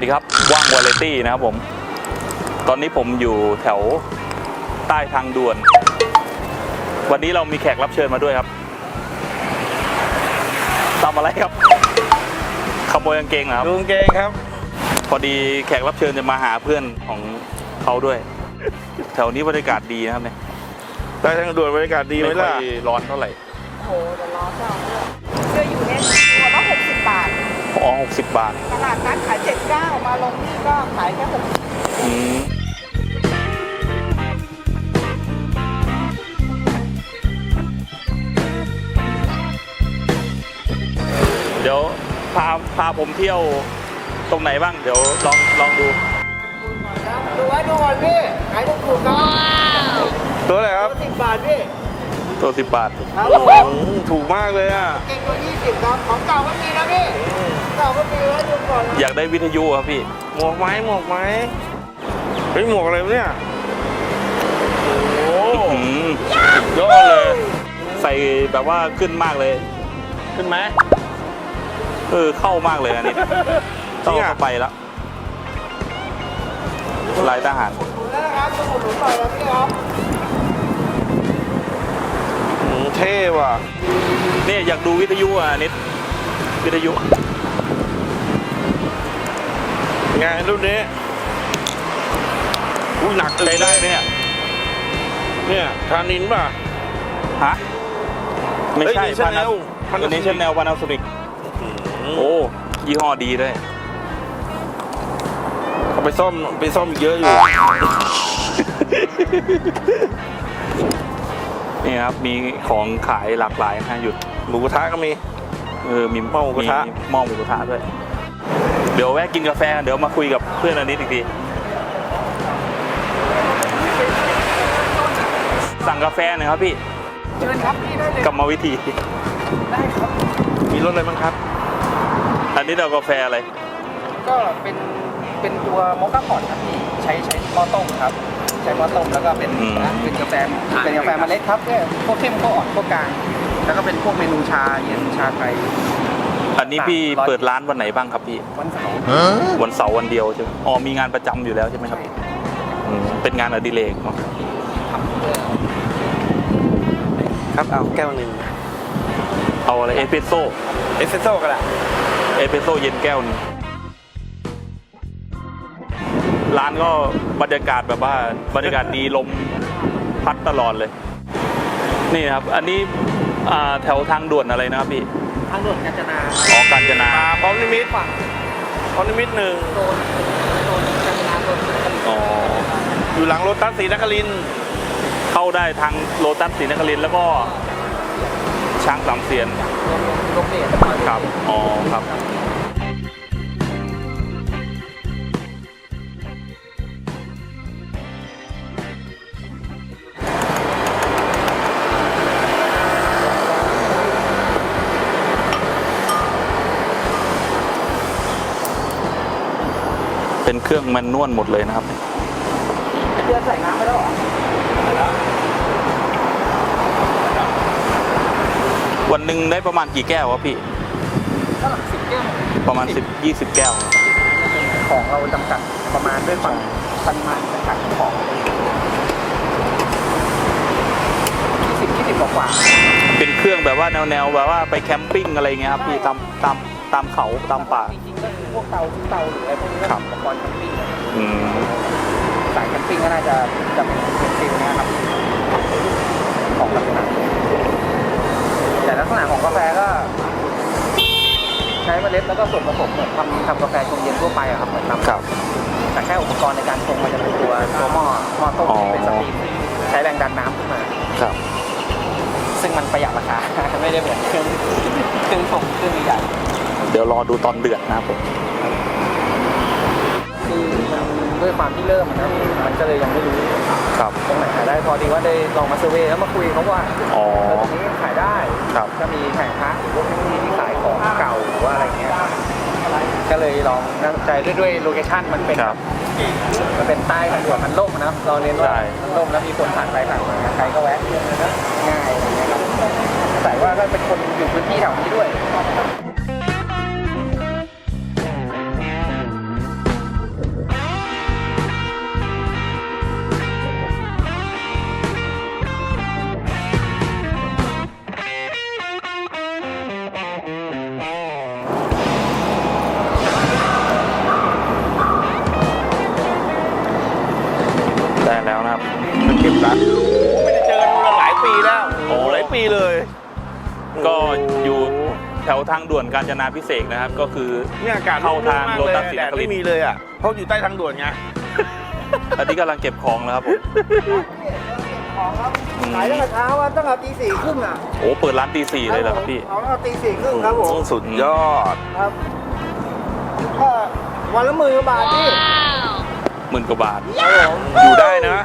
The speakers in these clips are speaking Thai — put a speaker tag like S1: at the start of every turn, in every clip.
S1: ดีครับว่างวาไรตี้นะครับผมตอนนี้ผมอยู่แถวใต้ทางด่วนวันนี้เรามีแขกรับเชิญมาด้วยครับทำอะไรครับขโมยกางเกงเหรอครับ
S2: ดูกางเกงครับ
S1: พอดีแขกรับเชิญจะมาหาเพื่อนของเขาด้วยแถวนี้บรรยากาศดีนะครับเนี่ย
S2: ใต้ทางด่วนบรรยากาศดีไหมล่ะ
S1: ไม่ค่อยร้อนเท่าไหร่
S3: โหแต่ร้อนจังเสื้ออยู่เนี่ยตัวละ60 บาท
S1: อ๋อ60 บาท
S3: ตลาดนัดขาย79มาลงนี่ก็ขายแค่60
S1: เดี๋ยวพาผมเที่ยวตรงไหนบ้างเดี๋ยวลองดู
S3: ดูไว้ดูก่อนพี่ขายถูกๆครับ
S2: ตัวอะไรครับ
S3: 10 บาทพี่
S1: ตัว10 บาท
S3: ครับ
S2: ถูกมากเลยอ่ะ
S3: เก่งตัว20ครับของเก่าก็มีนะพี่เก่าก็มีไว้ดูก่อน
S1: อยากได้วิทยุครับพี่
S2: หมวกไหมเฮ้ยหมวกอะไรเนี่ยโอ้โหยอดเลย
S1: ใส่แบบว่าขึ้นมากเลย
S2: ขึ้นไหม
S1: เข้ามากเลยอันนี้ต้องเข้าไปแล้วลายทหาร
S3: แล้วนะครับสมุดหนุนหน่อยนะพี่ครับ
S2: เท่ว่ะ
S1: นี่อยากดูวิทยุอ่ะนิดวิทยุ
S2: งานรุ่นนี้อุ้ยหนัก
S1: ใช้ได้ไหม
S2: เนี่ยทานินป่ะ
S1: ฮะไม่ใช่
S2: พานา
S1: อันนี้Chanel Panasonicโอ้ยี่ห้อดีด้วย
S2: เอาไปซ่อมเยอะอยู่
S1: นี่ครับมีของขายหลากหลายนะหยุด
S2: หมูกระทะก็มี
S1: มีหม้อหมูกระทะด้วยเดี๋ยวแวะกินกาแฟเดี๋ยวมาคุยกับเพื่อนอันนี้อีกทีสั่งกาแฟหน่อยครับพี่
S3: เชิญครับพี่ได้เลย
S1: กรรมวิธี
S3: ได้ครับ
S2: มีรสอะไรบ้างครับ
S1: อันนี้เรากาแฟอะไร
S3: ก็เป็นตัวโมคค่าพอตครับพี่ใช้หม้อต้มครับใช้หม้อต้มแล้วก็เป็นกาแฟเมล็ดครับพวกเข้มพวกอ่อนพวกกลางแล้วก็เป็นพวกเมนูชาเย็นชาไทย
S1: อันนี้พี่เปิดร้านวันไหนบ้างครับพี่
S3: วันเสาร์
S1: วันเดียวใช่ไหมอ๋อมีงานประจำอยู่แล้วใช่ไหมครับเป็นงานอดิเรกเนาะ
S2: ครับเอาแก้วหนึ่ง
S1: เอาอะไรเอสเปรสโซ่
S2: ก็ได้
S1: เอสเปรสโซ่เย็นแก้วนึงร้านก็บรรยากาศแบบว่าบรรยากาศดีลมพัดตลอดเลยนี่ครับอันนี้แถวทางด่วนอะไรนะครับพี่
S3: ทางด่วนกาญจนา
S1: อ๋อกาญจนา
S2: พร้อมนิมิต1
S3: โดนกาญจนา
S1: อ๋อ
S2: อยู่หลังโลตัสศรีนครินทร์
S1: เข้าได้ทางโลตัสศรีนครินทร์แล้วก็ช้างสามเสียน
S3: โรงเรียน
S1: ครับอ๋อครับเป็นเครื่องแมนนวลหมดเลยนะครับ
S3: เดือนใส่น้ำไปแล้วเหรอ
S1: วันหนึ่งได้ประมาณกี่แก้ววะพี่
S3: ก็10 แก้ว
S1: ประมาณ20 แก้ว
S3: ของเราจำกัดประมาณด้วยปริมาณจำกัดของ20 กว่า
S1: เป็นเครื่องแบบว่าแนวแบบว่าไปแคมปิ้งอะไรเงี้ยครับพี่ตามเขาตามป่า
S3: จริงๆก็คือพวกเตาหรืออะไรพวกนี้อุปกรณ์แคมปิ้งสายแคมปิ้งก็น่าจะเป็นฟิลนะครับของลักษณะแต่ลักษณะของกาแฟก็ใช้เมล็ดแล้วก็ส่วนผสมเหมือนทำกาแฟชงเย็นทั่วไปอะครับเหมือนทำแต่แค่อุปกรณ์ในการชงมันจะเป็นตัวหม้อต้มเป็นสตรีมใช้แรงดันน้ำขึ้นมา
S1: ครับ
S3: ซึ่งมันประหยัดราคาไม่ได้เหมือนเครื่องชงเครื่องใหญ่
S1: เดี๋ยวรอดูตอนเดือดนะครับผม
S3: คือด้วยความที่เริ่มนะมันก็เลยยังไม่รู้ตรงไหนขายได้พอดีว่าได้ลองมาเซอร์เวย์แล้วมาคุยเขาว่าตรงนี้ขายได้ก็มีแผงค้าหรือพวกที่ขายของเก่าหรือว่าอะไรเงี้ยก็เลยลองนั่งใจด้วยโลเคชั่นมันเป็นใต้ทางด่วนมันล่มนะเราเน้นว่ามันล่มแล้วมีคนผ่านไปผ่านมาใครก็แวะง่ายอะไรเงี้ยครับแต่ว่าก็เป็นคนอยู่พื้นที่แถวนี้ด้วย
S2: เก็บร้านโอ้ไม่ได้เจอกันมาหลายปีแล้วโอ้หลายปีเลย
S1: ก็อยู่แถวทางด่วนกาญจนาภิเษกนะครับ ก็คือ
S2: เนี่ยอากาศ
S1: เข้าทาง
S2: มาก
S1: โล
S2: เลย
S1: ตัสศรี
S2: แด
S1: น
S2: ด
S1: คริ
S2: ไม่
S1: นท
S2: มี
S1: ร์
S2: เลยอ่ะเพราะอยู่ใต้ทางด่วนไง
S1: อันนี้กำลังเก็บของแล้วครับผม
S3: ของครับขายตั้งแต่เช้าตั้งแต่ตี 4:30 อ่ะ
S1: โอ้เปิดร้านตี 4เลยเหรอครับพี่
S3: ของเราตี 4:30 ครับผม
S2: สุดยอด
S3: ครับก็วันละ10,000 กว่าบาทพี่
S1: 10,000 กว่าบาท
S3: ครับผม
S2: อยู่ได้นะ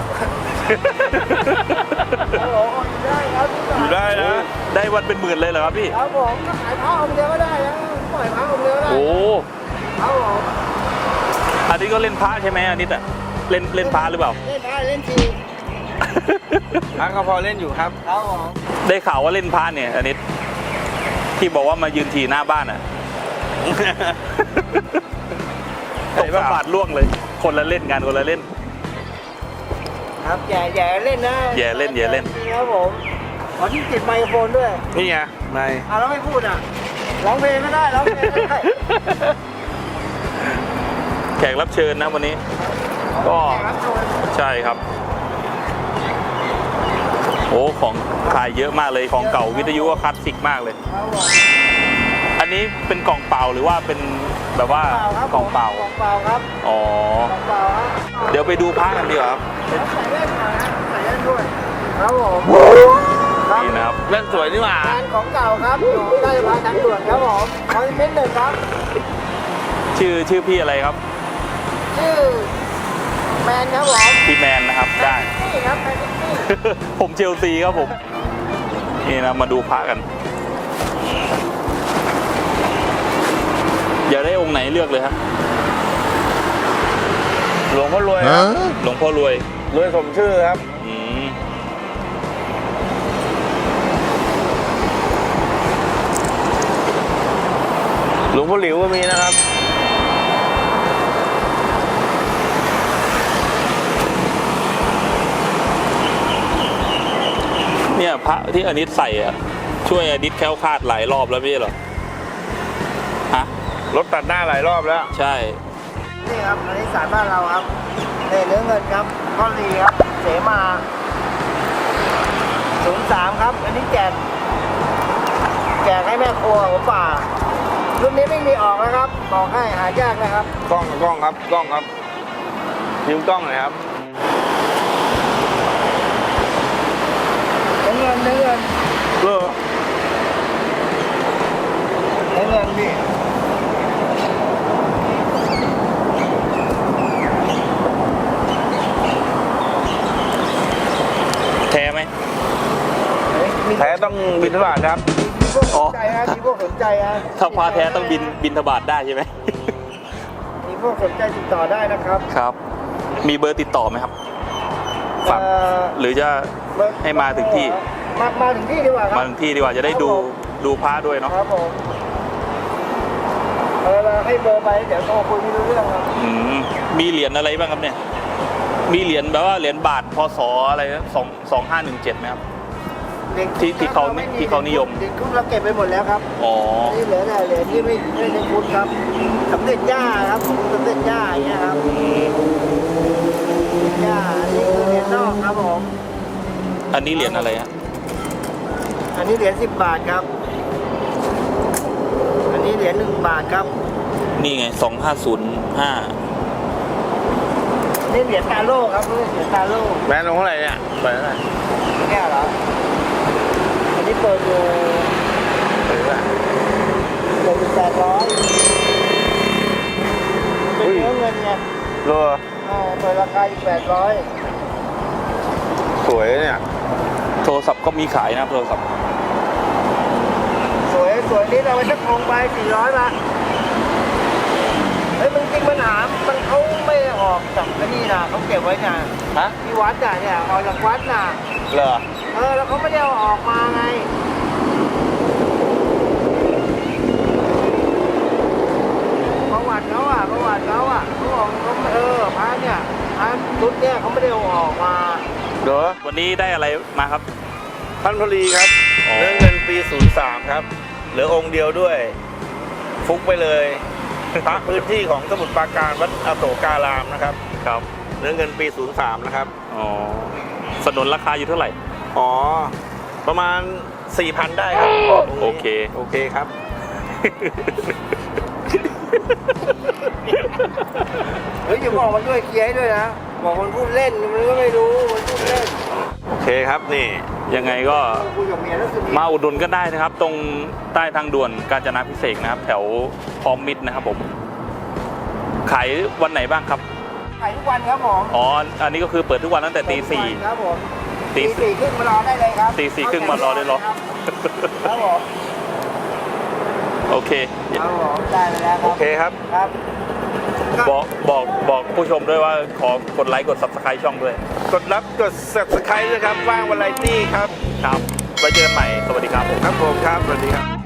S3: ครับผมได้ครับ
S2: อยู่ได้นะ
S1: ได้วันเป็นหมื่นเลยเหรอครับพี่
S3: ครับผมก็ขายผ้าองค์เดียวก็ได้นะปล่อยผ้าองค์เดียวก็ได้
S1: โอ้
S3: ครับผม
S1: อันนี้ก็เล่นพระใช่ไหมอันนี้อะเล่นพระหรือเปล่า
S3: เล่นได้เล่นที
S2: พักก็พอเล่นอยู่ครับ
S3: ครับผม
S1: ได้ข่าวว่าเล่นพระเนี่ยอันนี้ที่บอกว่ามายืนทีหน้าบ้านอ่ะ ตกบาทล่วงเลย คนละเล่นกันคนละเล่น
S3: ครับแย่เล่นนะ
S1: แย่เล่น
S3: ครับผมขอที่ติดไมโครโฟนด้วย
S2: นี่ไงใน
S3: แล้วไม่พูดอ่ะร้องเพลงก็ได้ร้องเพลงก็ได้
S1: แขกรับเชิญนะวันนี้ ก็
S3: ครับชม
S1: ใช่ครับ โอ้ของขายเยอะมากเลยของเก่าวิทยุก็คลาสสิกมากเลย
S3: ครับผม
S1: อันนี้เป็นกล่องเปล่าหรือว่าเป็นแบบว่า
S3: ครับ
S1: กล่องเปล่า
S3: กล่องเปล่าครับ
S1: อ๋อก
S3: ล่องเปล่าครับ
S1: เดี๋ยวไปดูพระกันดีกว่าครับ
S3: แล้วใส่เล่นหน่อยนะใส่เล่นด้วยครับผมครับ
S1: นี่นะครับ
S2: เล่นสวยนี่หว่า
S3: งานของเก่าครับอยู่ใต้สะพานทางด่วนครับผมคอนเทนต์1ครับ
S1: ชื่อพี่อะไรครับ
S3: ชื่อแมนครับผม
S1: พี่แมนนะครับได้
S3: นี่ครับแมนนี่
S1: ผมเชลซีครับผม นี่นะมาดูพระกัน อยากได้องค์ไหนเลือกเลยครับ
S2: หลวงพ่อรวยครับ
S1: หลวงพ่อรวย
S2: รวยสมชื่อครับ
S1: อืม
S2: หลวงพ่อหลิวก็มีนะครับ
S1: เนี่ยพระที่อนิตใส่อะช่วยอนิตแคล้วคลาดหลายรอบแล้วไม่ใช่เหรอฮะ
S2: รถตัดหน้าหลายรอบแล้ว
S1: ใช่
S3: นี่ครับอันนี้สารบ้านเราครับเนื้อเงินครับก้อนลีครับเสมา03ครับอันนี้แจกให้แม่ครัวหัวป่ารุ่นนี้ไม่มีออกนะครับบอกให้หายากนะครับ
S2: กล้องครับกล้องครับยืมกล้องหน่อยครับ
S3: เนื้อเงิน
S2: เออ
S3: เนื้อเงินพี่
S1: แท้ไหม
S2: แท้ต้องบินทบาทครับ
S3: มีพวกสนใจฮะมีพวกสนใจฮะ
S1: ถ้าพระแท้ต้องบินทบาทได้ใช่ไหม
S3: มีพวกสนใจติดต่อได้นะครับ
S1: ครับ มีเบอร์ติดต่อไหมครับ ฝาก หรือจะให้มาถึงที่
S3: มาถึงที่ดีกว่าครับ
S1: มาถึงที่ดีกว่าจะได้ดูพระด้วยเนาะ
S3: ครับผมเราให้เบอร์ไปเดี๋ยวโทรคุยไม่รู้เรื่องครับ
S1: อืมมีเหรียญอะไรบ้างครับเนี่ย มีเหรียญแบบว่าเหรียญบาทพศอะไรนะ2517ไหมครับ ที่เขานิยม
S3: เด็กคุณเราเก็บไปหมดแล้วครับ
S1: อ๋อ
S3: นี่เหลือแต่เหรียญที่ไม่ได้คุณครับสำเร็จย่าครับสำเร็จย่าอย่างเงี้ยครับย่าอันนี้คือเหรียญนอกครับผม
S1: อันนี้เหรียญอะไรฮะ
S3: อันนี้เหรียญ10 บาทครับ อันนี้เหรียญ1 บาทครับ
S1: นี่ไง2505
S3: อันนี้เหรียญตาโล่ครับเหรียญตาโล่
S2: แบรนด์ลงเท่าไหร่เนี่ยเปิดเท่าไหร่
S3: เนี่ยเหรออันนี้เปิดอยู่
S2: เปิดเท่าไหร่
S3: 800เป็นเนื้อเงินไง
S2: เออ
S3: เปิดราคาอีก800
S2: สวยเนี่ย
S1: โทรศัพท์ก็มีขายนะโทรศัพท์
S3: สวยนี่เราไปสักองไป400ละเฮ้ยมันจริงมันหามมันเขาไม่ออกจากนี่นะเขาเก็บไว้น่ะ
S2: ฮะ
S3: ที่วัดน่ะเนี่ยออกจากวัดน่ะ
S2: เหรอ
S3: แล้วเขาไม่ได้เอาออกมาไงประวัติเขาอ่ะเขาบอกเขาพระเนี่ยพระชุดเนี่ยเขาไม่ได้เอาออกมา
S2: เดี๋ยว
S1: วันนี้ได้อะไรมาครับ
S2: ท่านพลีครับ
S1: อ๋อ
S2: เนื้อเงินปี 03 ครับ เหลือองค์เดียวด้วย ฟุกไปเลย พระพื้นที่ของสมุทรปราการวัดอโศการามนะครับ
S1: ครับ
S2: เนื้อเงินปี 03 นะครับ
S1: อ๋อสนุนราคาอยู่เท่าไหร่
S2: อ๋อ ประมาณ 4,000 ได้ครับ
S1: โอเค
S2: โอเคครับ
S3: เฮ้ยอย่าบอกมันด้วยเคลียร์ให้ด้วยนะบอกมันพูดเล่นมันก็ไม่รู้มันพูดเล่น
S2: โอเคครับนี่
S1: ยังไงก็
S3: คุยกับเมียแล้วคือ
S1: มาอุดหนุนก็ได้นะครับ ตรงใต้ทางด่วนกาญจนาภิเษกนะครับ แถวพร้อมมิตรนะครับผมขายวันไหนบ้างครับ
S3: ขายทุกวันครับผม
S1: อ๋ออันนี้ก็คือเปิดทุกวันตั้งแต่ตีสี่
S3: ครับผม
S1: ตี
S3: ตีสี่ครึ่งมารอได้เลยครับ
S1: ตีสี่ครึ่งมารอได้เหรอ
S3: ครับผม
S1: โอเค
S3: ครับผมได้ไปแล้วค
S2: โอ
S3: รับ
S2: เคครับ
S3: ครับ
S1: บอกผู้ชมด้วยว่าขอกดไลค์กด subscribe ช่องด้วย
S2: กดรับกด subscribe ด้วยครับว่างวาไรตี้ครับ
S1: ครับไว้เจอกันใหม่สวัสดีครับผม
S2: ครับผมครับ สวัสดีครับ